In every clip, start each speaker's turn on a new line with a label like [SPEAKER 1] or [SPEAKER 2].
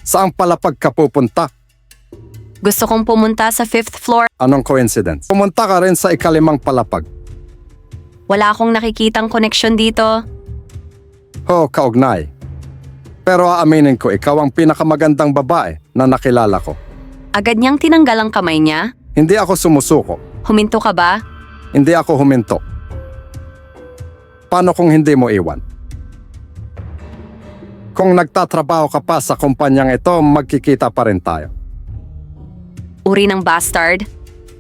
[SPEAKER 1] Saang palapag ka pupunta?
[SPEAKER 2] Gusto kong pumunta sa 5th floor.
[SPEAKER 1] Anong coincidence? Pumunta ka rin sa ikalimang palapag.
[SPEAKER 2] Wala akong nakikitang koneksyon dito.
[SPEAKER 1] Kaugnay. Pero aaminin ko, ikaw ang pinakamagandang babae na nakilala ko.
[SPEAKER 2] Agad niyang tinanggal ang kamay niya.
[SPEAKER 1] Hindi ako sumusuko.
[SPEAKER 2] Huminto ka ba?
[SPEAKER 1] Hindi ako huminto. Paano kung hindi mo iwan? Kung nagtatrabaho ka pa sa kumpanyang ito, magkikita pa rin tayo.
[SPEAKER 2] Uri ng bastard.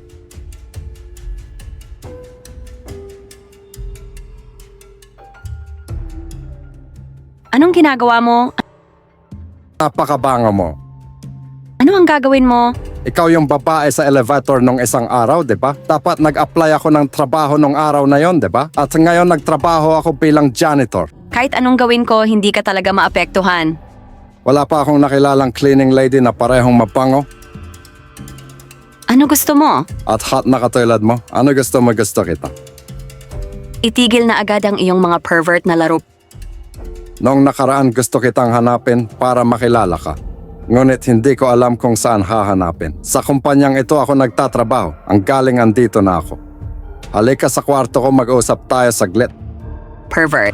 [SPEAKER 2] Anong ginagawa mo?
[SPEAKER 1] Napakabango mo.
[SPEAKER 2] Ano ang gagawin mo?
[SPEAKER 1] Ikaw yung babae sa elevator nung isang araw, di ba? Dapat nag-apply ako ng trabaho nung araw na yon, di ba? At ngayon nagtrabaho ako bilang janitor.
[SPEAKER 2] Kahit anong gawin ko, hindi ka talaga maapektuhan.
[SPEAKER 1] Wala pa akong nakilalang cleaning lady na parehong mabango
[SPEAKER 2] Ano gusto mo?
[SPEAKER 1] at hot na katulad mo. Ano gusto mo, gusto kita.
[SPEAKER 2] Itigil na agad ang iyong mga pervert na laro.
[SPEAKER 1] Noong nakaraan gusto kitang hanapin para makilala ka. Ngunit hindi ko alam kung saan hahanapin. Sa kumpanyang ito ako nagtatrabaho. Ang galing andito na ako. Halika sa kwarto ko, mag-usap tayo saglit.
[SPEAKER 2] Pervert.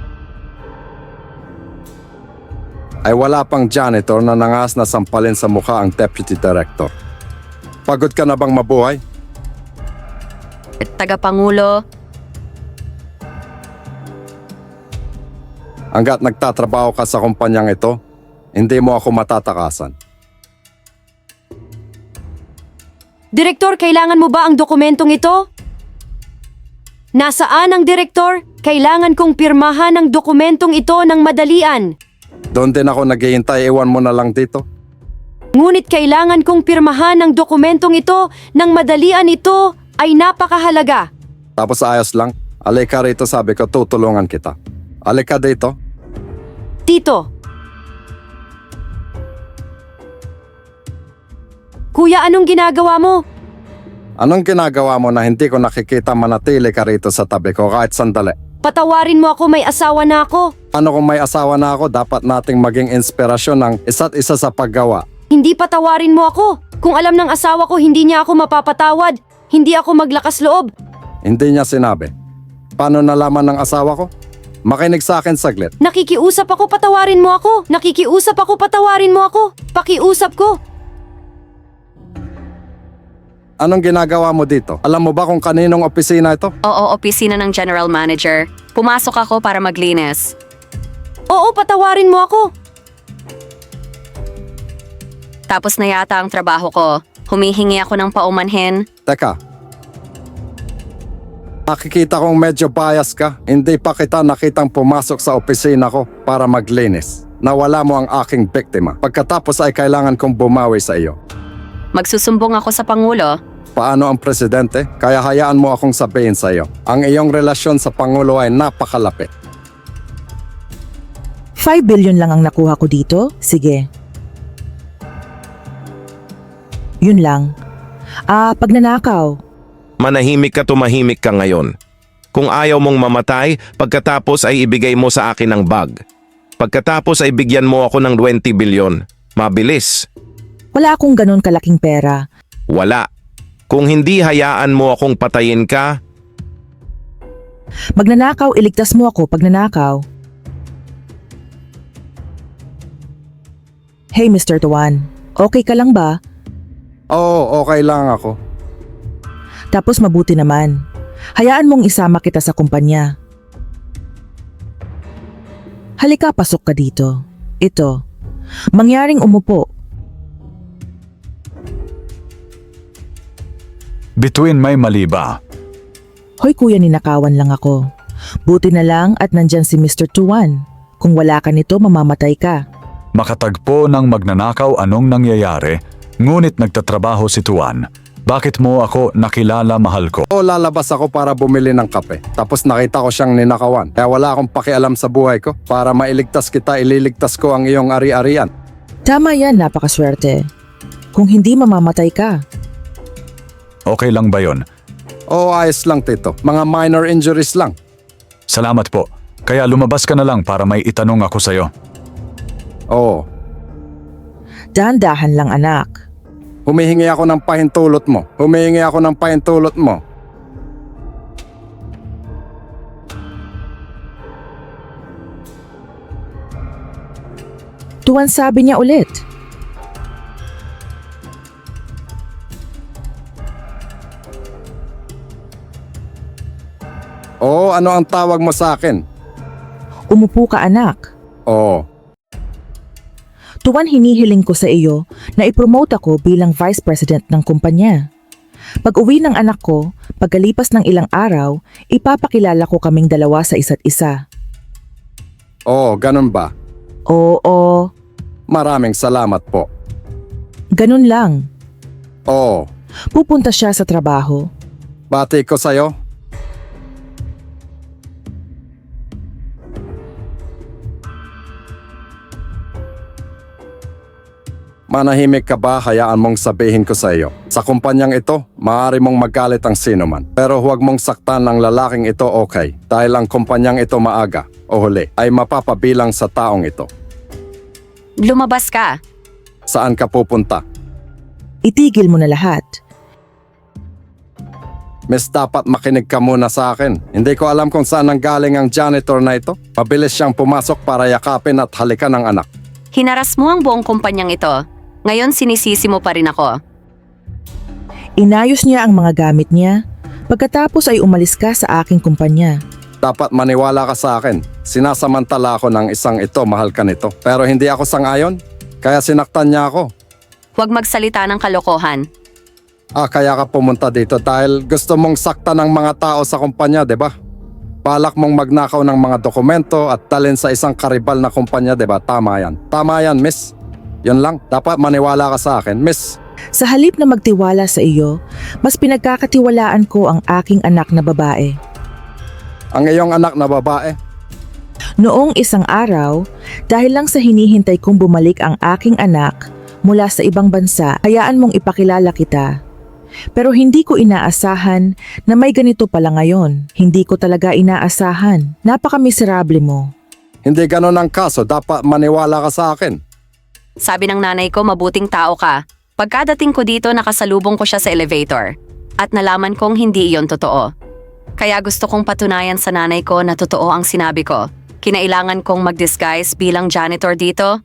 [SPEAKER 1] Ay wala pang janitor na nangas na sampalin sa mukha ang deputy director. Pagod ka na bang mabuhay?
[SPEAKER 2] Tagapangulo.
[SPEAKER 1] Hanggat nagtatrabaho ka sa kumpanyang ito, hindi mo ako matatakasan.
[SPEAKER 3] Direktor, kailangan mo ba ang dokumentong ito? Nasaan ang direktor? Kailangan kong pirmahan ang dokumentong ito ng madalian.
[SPEAKER 1] Doon din ako naghihintay, iwan mo na lang dito.
[SPEAKER 3] Ngunit kailangan kong pirmahan ang dokumentong ito ng madalian. Ito ay napakahalaga.
[SPEAKER 1] Tapos ayos lang. Alika rito, sabi ko, tutulungan kita. Alika dito.
[SPEAKER 3] Tito. Kuya, anong ginagawa mo?
[SPEAKER 1] Anong ginagawa mo na hindi ko nakikita manatili ka rito sa tabi ko kahit sandali?
[SPEAKER 3] Patawarin mo ako, may asawa na ako.
[SPEAKER 1] Ano kung may asawa na ako, dapat nating maging inspirasyon ng isa't isa sa paggawa.
[SPEAKER 3] Hindi patawarin mo ako. Kung alam ng asawa ko hindi niya ako mapapatawad, hindi ako maglakas loob.
[SPEAKER 1] Hindi niya sinabi. Paano nalaman ng asawa ko? Makinig sa akin saglit.
[SPEAKER 3] Nakikiusap ako, patawarin mo ako. Nakikiusap ako, patawarin mo ako. Pakiusap ko.
[SPEAKER 1] Anong ginagawa mo dito? Alam mo ba kung kaninong opisina ito?
[SPEAKER 2] Oo, opisina ng general manager. Pumasok ako para maglinis.
[SPEAKER 3] Oo, patawarin mo ako.
[SPEAKER 2] Tapos na yata ang trabaho ko. Humihingi ako ng paumanhin.
[SPEAKER 1] Teka. Nakikita kong medyo bias ka. Hindi pa kita nakitang pumasok sa opisina ko para maglinis. Nawala mo ang aking biktima. Pagkatapos ay kailangan kong bumawi sa iyo.
[SPEAKER 2] Magsusumbong ako sa Pangulo.
[SPEAKER 1] Paano ang presidente? Kaya hayaan mo akong sabihin sa iyo. Ang iyong relasyon sa Pangulo ay napakalapit.
[SPEAKER 4] 5 billion lang ang nakuha ko dito? Sige. Yun lang. Pagnanakaw.
[SPEAKER 5] Manahimik ka, tumahimik ka ngayon. Kung ayaw mong mamatay, pagkatapos ay ibigay mo sa akin ang bag. Pagkatapos ay bigyan mo ako ng 20 billion. Mabilis.
[SPEAKER 4] Wala akong ganon kalaking pera.
[SPEAKER 5] Wala. Kung hindi hayaan mo akong patayin ka,
[SPEAKER 4] Magnanakaw, iligtas mo ako pag nanakaw. Hey Mr. Tuan, okay ka lang ba?
[SPEAKER 1] Oo, okay lang ako.
[SPEAKER 4] Tapos mabuti naman. Hayaan mong isama kita sa kumpanya. Halika, pasok ka dito. Ito. Mangyaring umupo.
[SPEAKER 6] Bituin may mali ba?
[SPEAKER 4] Hoy kuya, ninakawan lang ako. Buti na lang at nandyan si Mr. Tuan. Kung wala ka nito, mamamatay ka.
[SPEAKER 6] Makatagpo ng magnanakaw anong nangyayari, ngunit nagtatrabaho si Tuan. Bakit mo ako nakilala, mahal ko?
[SPEAKER 1] O lalabas ako para bumili ng kape. Tapos nakita ko siyang ninakawan. Kaya wala akong pakialam sa buhay ko. Para mailigtas kita, ililigtas ko ang iyong ari-arian.
[SPEAKER 4] Tama yan, napakaswerte. Kung hindi, mamamatay ka.
[SPEAKER 6] Okay lang ba yon?
[SPEAKER 1] Oo, ayos lang tito. Mga minor injuries lang.
[SPEAKER 6] Salamat po. Kaya lumabas ka na lang para may itanong ako sa'yo.
[SPEAKER 1] Oo.
[SPEAKER 4] Dahan-dahan lang anak.
[SPEAKER 1] Humihingi ako ng pahintulot mo. Humihingi ako ng pahintulot mo.
[SPEAKER 4] Tuwan sabi niya ulit.
[SPEAKER 1] Oo, ano ang tawag mo sa akin?
[SPEAKER 4] Umupo ka anak.
[SPEAKER 1] Oo.
[SPEAKER 4] Tuwan hinihiling ko sa iyo na ipromote ako bilang vice president ng kumpanya. Pag uwi ng anak ko, pagkalipas ng ilang araw, ipapakilala ko kaming dalawa sa isa't isa.
[SPEAKER 1] Oo, ganun ba?
[SPEAKER 4] Oo,
[SPEAKER 1] Maraming salamat po.
[SPEAKER 4] ganun lang.
[SPEAKER 1] Oo.
[SPEAKER 4] Pupunta siya sa trabaho.
[SPEAKER 1] Bati ko sa'yo. Manahimik ka ba, hayaan mong sabihin ko sa iyo. Sa kumpanyang ito, maaari mong magalit ang sino man. Pero huwag mong saktan ng lalaking ito, okay? Dahil ang kumpanyang ito maaga o huli ay mapapabilang sa taong ito.
[SPEAKER 2] Lumabas ka.
[SPEAKER 1] Saan ka pupunta?
[SPEAKER 4] Itigil mo na lahat.
[SPEAKER 1] Miss, dapat makinig ka muna sa akin. Hindi ko alam kung saan nanggaling ang janitor na ito. Mabilis siyang pumasok para yakapin at halikan ng anak.
[SPEAKER 2] Hinaras mo ang buong kumpanyang ito. Ngayon sinisisi mo pa rin ako.
[SPEAKER 4] Inayos niya ang mga gamit niya. Pagkatapos ay umalis ka sa aking kumpanya.
[SPEAKER 1] Dapat maniwala ka sa akin. Sinasamantala ako ng isang ito, mahal ka nito. Pero hindi ako sangayon, kaya sinaktan niya ako.
[SPEAKER 2] Huwag magsalita ng kalokohan.
[SPEAKER 1] Kaya ka pumunta dito dahil gusto mong saktan ng mga tao sa kumpanya, di ba? Balak mong magnakaw ng mga dokumento at dalhin sa isang karibal na kumpanya, di ba? Tama yan. Tama yan, miss. Yun lang. Dapat maniwala ka sa akin, miss.
[SPEAKER 4] Sa halip na magtiwala sa iyo, mas pinagkakatiwalaan ko ang aking anak na babae.
[SPEAKER 1] Ang iyong anak na babae,
[SPEAKER 4] Noong isang araw, dahil lang sa hinihintay kong bumalik ang aking anak mula sa ibang bansa, hayaan mong ipakilala kita. Pero hindi ko inaasahan na may ganito pala ngayon. Hindi ko talaga inaasahan. Napaka-miserable mo.
[SPEAKER 1] hindi ganon ang kaso. Dapat maniwala ka sa akin.
[SPEAKER 2] Sabi ng nanay ko, mabuting tao ka. Pagkadating ko dito, nakasalubong ko siya sa elevator. At nalaman kong hindi iyon totoo. Kaya gusto kong patunayan sa nanay ko na totoo ang sinabi ko. Kinailangan kong mag-disguise bilang janitor dito.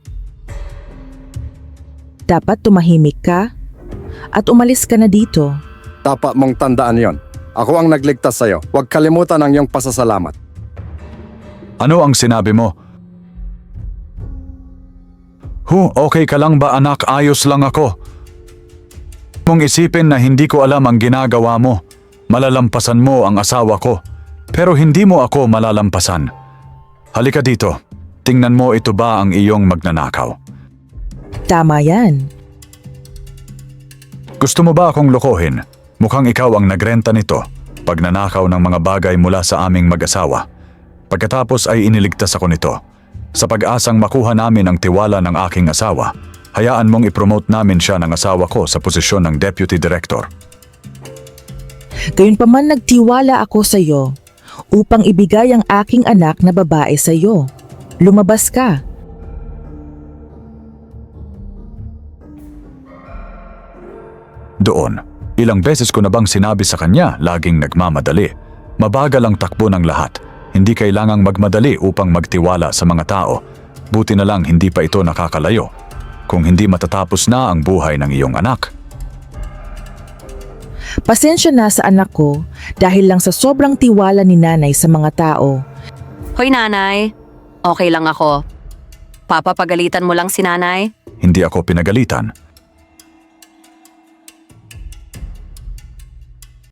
[SPEAKER 4] Dapat tumahimik ka at umalis ka na dito.
[SPEAKER 1] Dapat mong tandaan yon. Ako ang nagligtas sa'yo. Huwag kalimutan ang iyong pasasalamat.
[SPEAKER 6] Ano ang sinabi mo? Okay ka lang ba anak? Ayos lang ako. Mong isipin na hindi ko alam ang ginagawa mo. Malalampasan mo ang asawa ko. Pero hindi mo ako malalampasan. Halika dito. Tingnan mo, ito ba ang iyong magnanakaw?
[SPEAKER 4] Tama yan.
[SPEAKER 6] Gusto mo ba akong lokohin? Mukhang ikaw ang nagrenta nito. Pagnanakaw ng mga bagay mula sa aming mag-asawa. Pagkatapos ay iniligtas ako nito. Sa pag-asang makuha namin ang tiwala ng aking asawa, hayaan mong ipromote namin siya ng asawa ko sa posisyon ng Deputy Director.
[SPEAKER 4] Gayunpaman nagtiwala ako sa iyo upang ibigay ang aking anak na babae sa iyo. Lumabas ka.
[SPEAKER 6] Doon, ilang beses ko na bang sinabi sa kanya laging nagmamadali. Mabagal ang takbo ng lahat. Hindi kailangang magmadali upang magtiwala sa mga tao. Buti na lang hindi pa ito nakakalayo. Kung hindi matatapos na ang buhay ng iyong anak.
[SPEAKER 4] Pasensya na sa anak ko dahil lang sa sobrang tiwala ni nanay sa mga tao.
[SPEAKER 2] Hoy nanay, okay lang ako. Papapagalitan mo lang si nanay?
[SPEAKER 6] Hindi ako pinagalitan.